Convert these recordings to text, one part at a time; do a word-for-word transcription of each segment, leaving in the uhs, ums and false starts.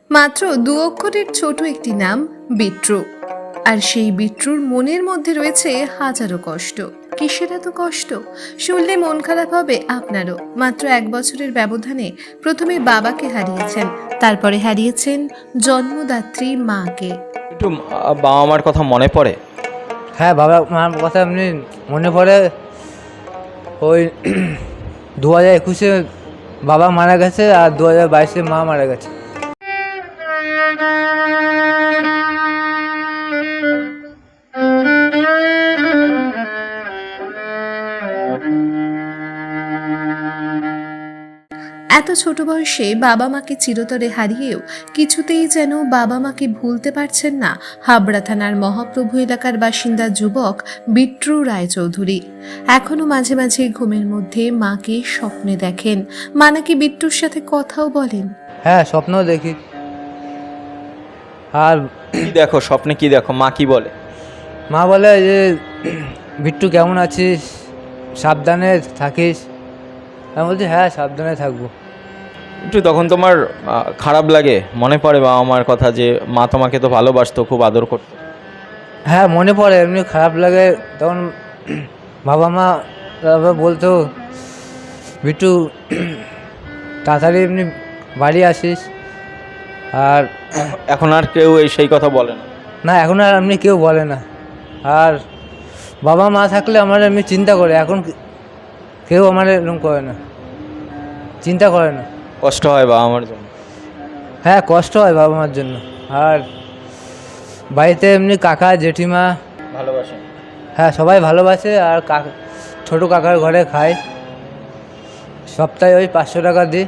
মাত্র দু অক্ষরের ছোট একটি নাম বিট্টু। আর সেই বিট্টুর মনের মধ্যে রয়েছে হাজারো কষ্ট। কিসের এত কষ্ট শুনলে মন খারাপ হবে আপনারও। মাত্র এক বছরের ব্যবধানে প্রথমে বাবাকে হারিয়েছেন, তারপরে হারিয়েছেন জন্মদাত্রী মাকে। একটু আহ, বাবা মার কথা মনে পড়ে? হ্যাঁ, বাবা মার কথা এমনি মনে পড়ে। ওই দু হাজার একুশে বাবা মারা গেছে আর দু হাজার বাইশে মা মারা গেছে। এত ছোট বয়সে বাবা মাকে চিরতরে হারিয়েও কিছুতেই যেন বাবা মাকে ভুলতে পারছেন না হাবড়া থানার মহাপ্রভু এলাকার বাসিন্দা যুবক বিট্টু রায়চৌধুরী। এখনো মাঝে মাঝে ঘুমের মধ্যে মাকে স্বপ্নে দেখেন। মা নাকি বিট্টুর সাথে কথাও বলেন। হ্যাঁ, স্বপ্নও দেখি। আর কি দেখো স্বপ্নে? কি দেখো? মা কি বলে? মা বলে যে বিট্টু কেমন আছিস, সাবধানে থাকিস। আমি বলছি হ্যাঁ, সাবধানে থাকবো। একটু তখন তোমার আহ, খারাপ লাগে? মনে পড়ে বাবা মার কথা যে মা তোমাকে তো ভালোবাসতো, খুব আদর করতো? হ্যাঁ, মনে পড়ে, এমনি খারাপ লাগে। তখন বাবা মা তারপর বলতো বিট্টু তাড়াতাড়ি এমনি বাড়ি আসিস। আর এখন আর কেউ এই সেই কথা বলে না? না, এখন আর এমনি কেউ বলে না। আর বাবা মা থাকলে আমার এমনি চিন্তা করে, এখন কেউ আমার এরকম করে না, চিন্তা করে না। কষ্ট হয় বাবা মার জন্য? হ্যাঁ, কষ্ট হয় বাবা মার জন্য। আর বাড়িতে এমনি কাকা জেঠিমা ভালোবাসে? হ্যাঁ, সবাই ভালোবাসে। আর কাকা ছোটো কাকার ঘরে খাই, সপ্তাহে ওই পাঁচশো টাকা দিই।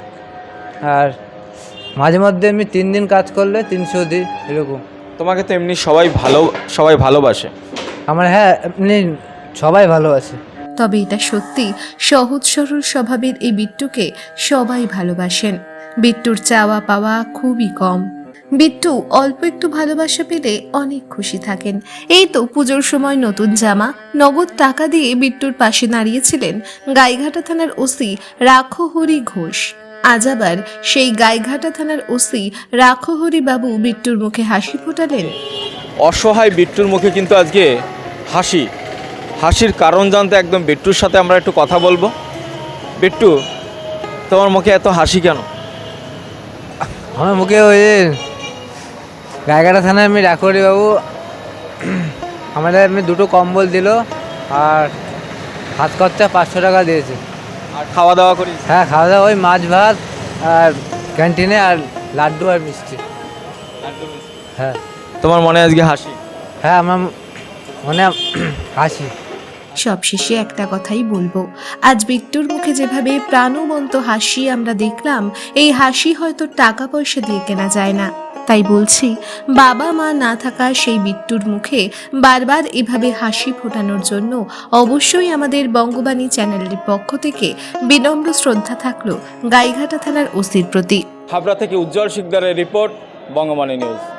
আর মাঝে মধ্যে এমনি তিন দিন কাজ করলে তিনশো দিই, এরকম। তোমাকে তো এমনি সবাই ভালো সবাই ভালোবাসে। আমার হ্যাঁ, এমনি সবাই ভালোবাসে। তবে এটা সত্যি, সহজ সরল স্বভাবের এই বিট্টুকে সবাই ভালোবাসেন। বিট্টুর চাওয়া পাওয়া খুবই কম। বিট্টু অল্প একটু ভালোবাসা পেলে অনেক খুশি থাকেন। এই তো পুজোর সময় নতুন জামা, নগদ টাকা দিয়ে বিট্টুর পাশে দাঁড়িয়েছিলেন গাইঘাটা থানার ওসি রাখহরি ঘোষ। আজ আবার সেই গাইঘাটা থানার ওসি রাখহরি বাবু বিট্টুর মুখে হাসি ফোটালেন। অসহায় বিট্টুর মুখে কিন্তু আজকে হাসি। হাসির কারণ জানতে একদম বিট্টুর সাথে আমরা একটু কথা বলবো। বিট্টু, তোমার মুখে এত হাসি কেন? আমার মুখে ওই গাইঘাটা থানায় আমি রাখরি বাবু আমাদের এমনি দুটো কম্বল দিল আর হাত খরচা পাঁচশো টাকা দিয়েছে। আর খাওয়া দাওয়া করি? হ্যাঁ, খাওয়া দাওয়া ওই মাছ ভাত আর ক্যান্টিনে আর লাড্ডু আর মিষ্টি। হ্যাঁ। তোমার মনে আজকে হাসি? হ্যাঁ, আমার মনে হাসি। সবশেষে একটা কথাই বলবো, আজ বিট্টুর মুখে যেভাবে প্রাণবন্ত হাসি আমরা দেখলাম, এই হাসি হয়তো টাকা পয়সা দিয়ে কেনা যায় না। তাই বলছি, বাবা মা না থাকা সেই বিট্টুর মুখে বারবার এভাবে হাসি ফোটানোর জন্য অবশ্যই আমাদের বঙ্গবাণী চ্যানেলের পক্ষ থেকে বিনম্র শ্রদ্ধা থাকলো গাইঘাটা থানার ওসির প্রতি। হাবড়া থেকে উজ্জ্বল শিকদারের রিপোর্ট, বঙ্গবাণী নিউজ।